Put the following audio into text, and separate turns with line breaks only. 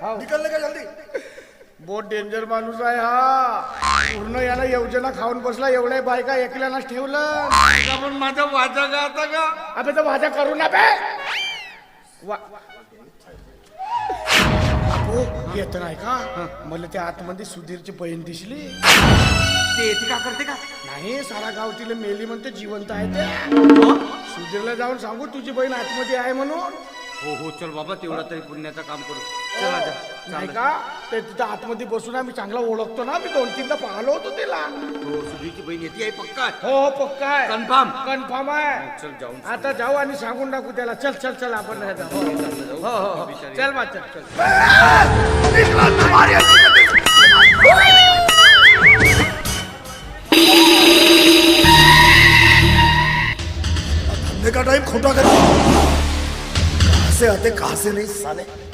निकलने का जल्दी.
बहुत डेंजर माणूस आहे हा. पूर्ण याला योजना खाऊन बसला. एवढ्या बायका एकल्यालाच ठेवलं.
पण माझा वाजा गाता का?
अबे तर माझ्या करू ना बे. येत नाही का? मला त्या आतमध्ये सुधीरची बहीण दिसली.
ते येते का करते का?
नाही, सारा गाव तिला मेली म्हणते, जिवंत आहे ते. सुधीरला जाऊन सांगू तुझी बहीण आतमध्ये आहे म्हणून.
हो हो, चल बाबा, तेवढा तरी पुण्याचं काम करू. चला जा.
नाही का? ते तिथं आतमध्ये बसून आम्ही चांगला ओळखतो ना. मी 2-3दा पाहिलो होतो तिला.
हो, सुधीरची बहीण येते आहे पक्का.
हो पक्का आहे.
कन्फर्म.
कन्फर्म आहे.
चल जाऊन
आता जाऊ आणि सांगून टाकू त्याला. चल चल चल आपण जाऊ. हो हो, चल बा, चल चल.
धंधे का टाइम खोटा कर. कहाँ से आते कहाँ से नहीं साले.